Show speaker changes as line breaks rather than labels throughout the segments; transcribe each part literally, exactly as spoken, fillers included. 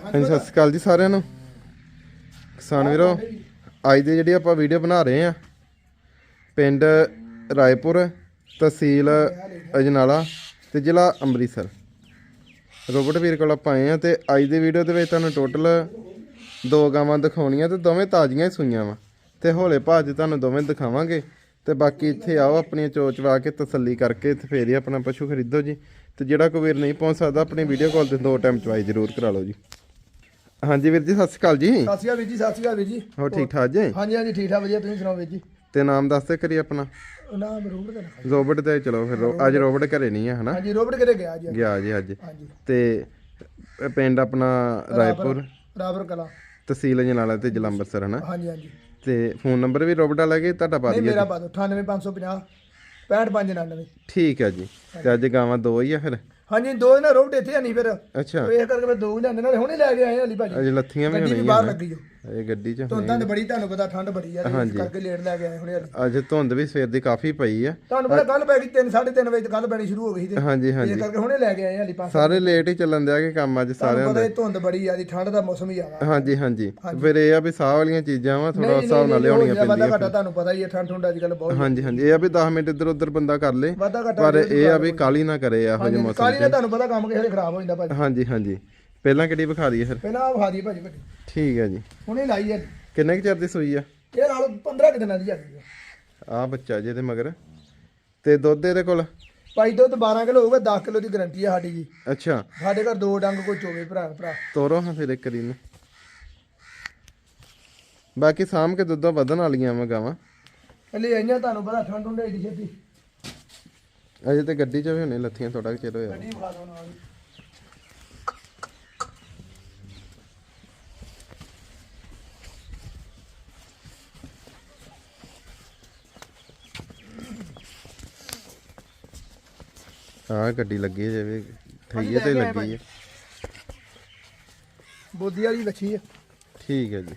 ਹਾਂਜੀ ਸਤਿ ਸ਼੍ਰੀ ਅਕਾਲ ਜੀ ਸਾਰਿਆਂ ਨੂੰ। ਕਿਸਾਨ ਵੀਰੋ, ਅੱਜ ਦੀ ਜਿਹੜੀ ਆਪਾਂ ਵੀਡੀਓ ਬਣਾ ਰਹੇ ਆ ਪਿੰਡ ਰਾਏਪੁਰ, ਤਹਿਸੀਲ ਅਜਨਾਲਾ ਤੇ ਜ਼ਿਲ੍ਹਾ ਅੰਮ੍ਰਿਤਸਰ। ਰੋਬਟ ਵੀਰ ਕੋਲ ਆਪਾਂ ਆਏ ਆ ਤੇ ਅੱਜ ਦੀ ਵੀਡੀਓ ਦੇ ਵਿੱਚ ਤੁਹਾਨੂੰ ਟੋਟਲ ਦੋ ਗਾਵਾਂ ਦਿਖਾਉਣੀਆਂ ਤੇ ਦੋਵੇਂ ਤਾਜ਼ੀਆਂ ਹੀ ਸੂਈਆਂ ਵਾ ਤੇ ਹੌਲੇ ਭਾਅ 'ਚ ਤੁਹਾਨੂੰ ਦੋਵੇਂ ਦਿਖਾਵਾਂਗੇ। ਤੇ ਬਾਕੀ ਇੱਥੇ ਆਓ ਆਪਣੀਆਂ ਚੋਚਵਾ ਕੇ ਤਸੱਲੀ ਕਰਕੇ ਤੇ ਫੇਰ ਹੀ ਆਪਣਾ ਪਸ਼ੂ ਖਰੀਦੋ ਜੀ। ਤੇ ਜਿਹੜਾ ਕੋਈ ਵੀਰ ਨਹੀਂ ਪਹੁੰਚ ਸਕਦਾ ਆਪਣੀ ਵੀਡੀਓ ਕਾਲ ਤੇ ਦੋ ਟਾਈਮ ਚਵਾਈ ਜ਼ਰੂਰ ਕਰਾ ਲਓ ਜੀ। ਹਾਂਜੀ ਵੀਰ ਜੀ ਸਤਿ ਸ਼੍ਰੀ ਅਕਾਲ ਜੀ।
ਸਤਿ ਸ਼੍ਰੀ ਅਕਾਲ ਵੀਰ ਜੀ। ਸਤਿ ਸ਼੍ਰੀ ਅਕਾਲ ਵੀਰ ਜੀ।
ਹੋਰ ਠੀਕ ਠਾਕ ਜੀ?
ਹਾਂਜੀ ਹਾਂਜੀ ਠੀਕ ਠਾਕ ਵਧੀਆ। ਤੁਸੀਂ ਸੁਣਾਓ ਵੀਰ ਜੀ?
ਤੇ ਨਾਮ ਦੱਸਦੇ ਕਰੀ ਆਪਣਾ।
ਨਾਮ ਰੋਬਟ ਦਾ ਲਿਖਿਆ।
ਰੋਬਟ ਤੇ ਚਲੋ ਫਿਰ ਅੱਜ ਰੋਬਟ ਘਰੇ ਨਹੀਂ ਹੈ ਹਨਾ?
ਹਾਂਜੀ ਰੋਬਟ ਕਿਤੇ ਗਿਆ ਜੀ।
ਗਿਆ ਜੀ ਅੱਜ।
ਹਾਂਜੀ
ਤੇ ਪਿੰਡ ਆਪਣਾ ਰਾਏਪੁਰ,
ਰਾਏਪੁਰ ਕਲਾ,
ਤਹਿਸੀਲ ਅਜਨਾਲਾ ਤੇ ਜ਼ਿਲ੍ਹਾ ਅੰਮ੍ਰਿਤਸਰ ਹਨਾ?
ਹਾਂਜੀ ਹਾਂਜੀ।
ਤੇ ਫੋਨ ਨੰਬਰ ਵੀ ਰੋਬਟ ਵਾਲਾ ਕਿ ਤੁਹਾਡਾ ਪਾ
ਨਹੀਂ
ਦਈਏ?
ਮੇਰਾ ਪਾ ਦਿਓ ਅਠਾਨਵੇਂ ਪੰਜ ਸੌ ਪੰਜਾਹ ਪੈਂਹਠ ਪੰਜ ਉਣਾਨਵੇਂ।
ਠੀਕ ਹੈ ਜੀ। ਤੇ ਅੱਜ ਗਾਵਾਂ ਦੋ ਹੀ ਆ ਫਿਰ?
ਹਾਂਜੀ ਦੋ ਨਾ ਰੋਬਟ ਇੱਥੇ ਨਹੀਂ ਫਿਰ
ਅੱਛਾ
ਇਹ ਕਰਕੇ ਮੈਂ ਦੋ ਹੀ ਲੈਂਦੇ ਨਾਲ ਹੁਣੇ ਲੈ ਕੇ ਆਏ ਹਲੀ ਭਾਜੀ।
ਅਜੇ ਲੱਥੀਆਂ ਵੀ
ਗੱਡੀ ਵੀ
ਹੋਣੀਆਂ
ਬਾਹਰ ਲੱਗੀ ਜੋ
ਇਹ ਗੱਡੀ 'ਚ
ਧੁੰਦਾਂ ਬੜੀ, ਤੁਹਾਨੂੰ ਪਤਾ ਠੰਡ ਬੜੀ ਆ ਇਸ ਕਰਕੇ ਲੇਟ ਲੈ ਕੇ ਆਏ ਹੁਣੇ।
ਅੱਜ ਧੁੰਦ ਵੀ ਸਵੇਰ ਦੀ ਕਾਫੀ ਪਈ ਆ।
ਤੁਹਾਨੂੰ ਪਤਾ ਕੱਲ ਪੈ ਗਈ ਤਿੰਨ ਸਾਢੇ ਤਿੰਨ ਵਜੇ ਕੱਲ ਪੈਣੀ ਸ਼ੁਰੂ ਹੋ ਗਈ ਤੇ
ਹਾਂਜੀ ਹਾਂਜੀ
ਇਸ ਕਰਕੇ ਹੁਣੇ ਲੈ ਕੇ ਆਏ ਹਲੀ ਪੰਜ।
ਸਾਰੇ ਲੇਟ ਹੀ ਚੱਲਣ ਦਿਆ ਕਿ ਕੰਮ ਅੱਜ ਸਾਰਿਆਂ
ਤੁਹਾਨੂੰ ਪਤਾ ਇਹ ਧੁੰਦ ਬੜੀ ਆ ਦੀ ਠੰਡ ਦਾ ਮੌਸਮ ਹੀ ਆ।
ਹਾਂਜੀ ਹਾਂਜੀ। ਫਿਰ ਇਹ ਆ ਵੀ ਸਾਹ ਵਾਲੀਆਂ ਚੀਜ਼ਾਂ ਵਾ ਥੋੜਾ ਹਿਸਾਬ ਨਾਲ ਲਿਆਉਣੀਆਂ ਪੈਂਦੀਆਂ।
ਘਟਾ ਤੁਹਾਨੂੰ ਪਤਾ ਹੀ ਹੈ ਠੰਡ ਠੰਡ ਅੱਜ ਕੱਲ ਬਹੁਤ।
ਹਾਂਜੀ ਹਾਂਜੀ। ਇਹ ਆ ਵੀ ਦਸ ਮਿੰਟ ਇੱਧਰ ਉੱਧਰ ਬੰਦਾ ਕਰ ਲੇ,
ਵਾਧਾ ਘਟਾ
ਪਰ ਇਹ ਆ ਵੀ ਕਾਲੀ ਨਾ ਕਰੇ ਇਹੋ ਜਿਹੇ ਮੌਸਮ
ਕਾਲੀ ਨਾਲ ਤੁਹਾਨੂੰ ਪਤਾ ਕੰਮ ਕਿਸੇ ਦੇ ਖਰਾਬ ਹੋ ਜਾਂਦਾ ਭਾਜੀ।
ਹਾਂਜੀ ਹਾਂਜੀ। ਪਹਿਲਾਂ ਕਿਹੜੀ ਵਿਖਾ ਦਈਏ ਫਿਰ?
ਪਹਿਲਾਂ ਆ ਵਿਖਾ ਦਈਏ ਭਾਜੀ ਵੱਡੀ।
ਠੀਕ ਹੈ ਜੀ।
ਹੁਣੇ ਲਾਈ ਹੈ।
ਕਿੰਨੇ ਕੁ ਚਿਰ ਦੀ ਸੂਈ ਆ
ਇਹ? ਨਾਲ ਪੰਦਰਾਂ ਕੁ ਦਿਨਾਂ ਦੀ ਜਾਂਦੀ ਹੈ।
ਆ ਬੱਚਾ ਜੇ ਤੇ ਮਗਰ ਤੇ ਦੁੱਧ ਇਹਦੇ ਕੋਲ
ਭਾਈ ਦੁੱਧ ਬਾਰਾਂ ਕਿਲੋ ਹੋਊਗਾ। ਦਸ ਕਿਲੋ ਦੀ ਗਾਰੰਟੀ ਹੈ ਸਾਡੀ ਜੀ।
ਅੱਛਾ।
ਸਾਡੇ ਘਰ ਦੋ ਡੰਗ ਕੋਈ ਚੋਵੇ ਭਰਾ ਭਰਾ।
ਤੋਰੋ ਹਾਂ ਫਿਰ ਇੱਕ ਵਾਰੀ ਨੂੰ। ਬਾਕੀ ਸਾਂਭ ਕੇ ਦੁੱਧਾਂ ਵਧਣ ਵਾਲੀਆਂ ਵਾ ਗਾਵਾਂ
ਹਲੇ ਆਈਆਂ ਤੁਹਾਨੂੰ ਪਤਾ ਠੰਡ ਹੁੰਦੀ ਏਡੀ ਛੇਤੀ।
ਅਜੇ ਤੇ ਗੱਡੀ 'ਚ ਵੀ ਹੁਣੇ ਲੱਥੀਆਂ ਥੋੜਾ ਚਿਰ ਹੋਇਆ।
ਗੱਡੀ ਵਿਖਾ ਦਿਓ ਨਾਲ।
ਹਾਂ ਗੱਡੀ ਲੱਗੀ ਹੈ ਜਿਵੇਂ ਠਈਏ ਤੇ ਲੱਗੀ ਹੈ।
ਬੋਦੀ ਵਾਲੀ ਵੱਛੀ ਹੈ।
ਠੀਕ ਹੈ ਜੀ।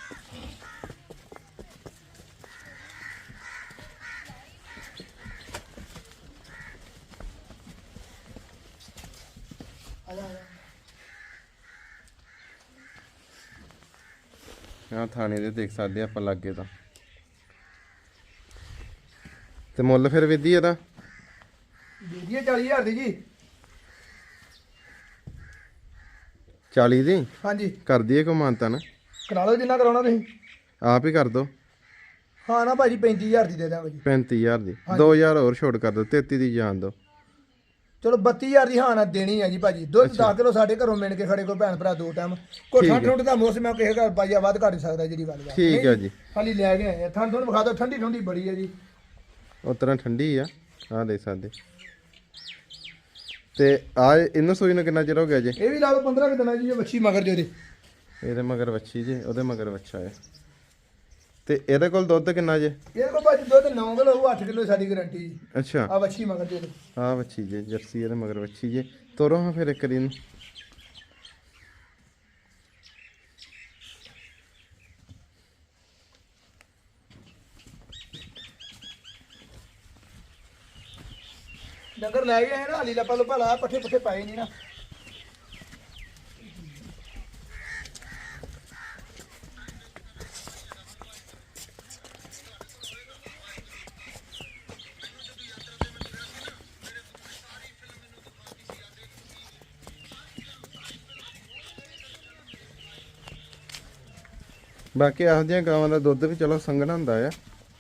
ਆ ਥਾਣੇ ਦੇ ਦੇਖ ਸਕਦੇ ਆਪਾਂ ਲੱਗੇ ਤਾਂ। ਤੇ ਮੁੱਲ ਫਿਰ ਵਿਧੀ ਇਹਦਾ?
ਵੀਡੀਓ ਚਾਲੀ ਹਜ਼ਾਰ ਦੀ ਜੀ।
ਚਾਲੀ ਦੀ
ਹਾਂਜੀ
ਕਰ ਦਈਏ ਕੋ ਮਾਨਤਾ ਨਾ?
ਕਰਾ ਲਓ ਜਿੰਨਾ ਕਰਾਉਣਾ ਤੁਸੀਂ।
ਆਪ ਹੀ ਕਰ ਦੋ।
ਹਾਂ ਨਾ ਭਾਜੀ ਪੈਂਤੀ ਹਜ਼ਾਰ ਦੀ ਦੇ ਦਾਂਗੇ ਜੀ।
ਪੈਂਤੀ ਹਜ਼ਾਰ ਦੀ ਦੋ ਹਜ਼ਾਰ ਹੋਰ ਛੋਟ ਕਰ ਦੋ। ਤੇਤੀ ਦੀ ਜਾਣ ਦੋ।
ਚਲੋ ਬੱਤੀ ਹਜ਼ਾਰ ਦੀ ਹਾਂ ਨਾ ਦੇਣੀ ਹੈ ਜੀ ਭਾਜੀ। ਦੁੱਧ ਦਸ ਕਿਲੋ ਸਾਡੇ ਘਰੋਂ ਮਿਲ ਕੇ ਖੜੇ ਕੋ ਭੈਣ ਭਰਾ ਦੋ ਟਾਈਮ। ਕੋਈ ਠੰਡ ਠੰਡ ਦਾ ਮੌਸਮ ਹੈ ਕਿਸੇ ਘਰ ਪਾਈਆ ਵੱਧ ਘੱਟ ਸਕਦਾ ਜਿਹੜੀ ਗੱਲ ਹੈ।
ਠੀਕ ਹੈ ਜੀ।
ਖਾਲੀ ਲੈ ਕੇ ਆਏ ਠੰਡ ਠੰਡ ਵਿਖਾ ਦਿਓ। ਠੰਡੀ ਠੰਡੀ ਬੜੀ ਹੈ ਜੀ।
ਉਹ ਤਰ੍ਹਾਂ ਠੰਡੀ ਆ। ਆਹ ਦੇਖ ਸਕਦੇ। ਤੇ ਆ ਇਹਨੂੰ ਸੂਈ ਨੂੰ ਕਿੰਨਾ ਚਿਰ ਹੋ ਗਿਆ ਜੀ?
ਇਹ ਵੀ ਲਾ ਲਓ ਪੰਦਰਾਂ ਕੁ ਦਿਨਾਂ ਜੀ। ਇਹ ਵੱਛੀ ਮਗਰ ਜੇ
ਇਹਦੇ ਮਗਰ ਵੱਛੀ ਜੇ, ਉਹਦੇ ਮਗਰ ਵੱਛਾ ਹੈ। ਤੇ ਇਹਦੇ ਕੋਲ ਦੁੱਧ ਕਿੰਨਾ ਜੇ?
ਇਹਦੇ ਕੋਲ ਭਾਜੀ ਦੁੱਧ ਨੌ ਕਿਲੋ ਹੋਊ। ਅੱਠ ਕਿਲੋ ਸਾਡੀ ਗਾਰੰਟੀ ਜੀ।
ਅੱਛਾ।
ਆ ਵੱਛੀ ਮਗਰ ਜੇ।
ਆਹ ਵੱਛੀ ਜੇ ਜਰਸੀ, ਇਹਦੇ ਮਗਰ ਵੱਛੀ ਜੇ। ਤੋਰੋ ਹਾਂ ਫਿਰ ਇੱਕ ਵਾਰੀ ਨੂੰ।
ਡੰਗਰ ਲੈ ਗਏ ਆਏ ਨਾ ਹਾਲੀ ਲੱਪਾ ਲੁੱਪਾ ਲਾ ਪੱਠੇ ਪੁੱਠੇ ਪਾਏ ਨਹੀਂ ਨਾ।
ਬਾਕੀ ਇਹੋ ਜਿਹੀਆਂ ਗਾਵਾਂ ਦਾ ਦੁੱਧ ਵੀ ਚਲੋ ਸੰਘਣਾ ਹੁੰਦਾ ਆ।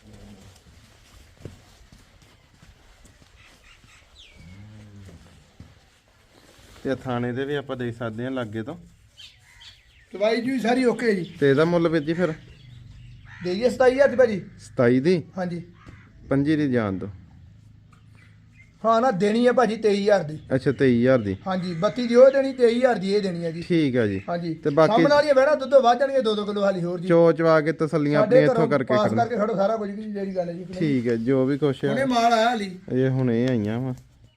ਤੇ ਥਾਣੇ ਦੇ ਵੀ ਆਪਾਂ ਦੇਖ ਸਕਦੇ ਹਾਂ ਲਾਗੇ ਤੋਂ।
ਦਵਾਈ ਜੀ ਸਾਰੀ ਓਕੇ ਜੀ।
ਤੇ ਇਹਦਾ ਮੁੱਲ ਵੀਰ ਜੀ ਫਿਰ?
ਦੇਈਏ ਸਤਾਈ ਹਜ਼ਾਰ ਦੀ ਭਾਜੀ।
ਸਤਾਈ ਦੀ?
ਹਾਂਜੀ।
ਪੰਜੀ ਦੀ ਜਾਣ ਦੋ।
ਹਾਂ ਨਾ ਦੇਣੀ ਹੈ ਭਾਜੀ ਤੇਈ ਹਜ਼ਾਰ ਦੀ।
ਅੱਛਾ ਤੇਈ ਹਜ਼ਾਰ ਦੀ।
ਹਾਂਜੀ ਬੱਤੀ ਦੀ ਉਹ ਦੇਣੀ, ਤੇਈ ਹਜ਼ਾਰ ਦੀ ਇਹ ਦੇਣੀ ਹੈ ਜੀ।
ਠੀਕ ਹੈ ਜੀ।
ਹਾਂਜੀ
ਤੇ ਬਾਕੀ
ਸਾਹਮਣੇ ਵਾਲੀਆਂ ਬਹਿਣਾ ਦੁੱਧ ਵੱਧ ਜਾਣਗੇ ਦੋ ਦੋ ਕਿਲੋ ਹਾਲੀ ਹੋਰ ਜੀ।
ਚੋਚਵਾ ਕੇ ਤਸੱਲੀਆਂ ਆਪਣੀਆਂ ਇੱਥੋਂ ਕਰਕੇ
ਪਾਸ
ਖੜਨਾ।
ਕਰਕੇ ਖੜੋ ਸਾਰਾ ਕੁਝ ਜਿਹੜੀ ਗੱਲ ਹੈ ਜੀ।
ਠੀਕ ਹੈ ਜੋ ਵੀ ਕੁਛ
ਹੁਣੇ
ਹੈ
ਮਾਲ ਆਇਆ ਹਾਲੀ।
ਇਹ ਹੁਣੇ ਆਈਆਂ ਵਾ।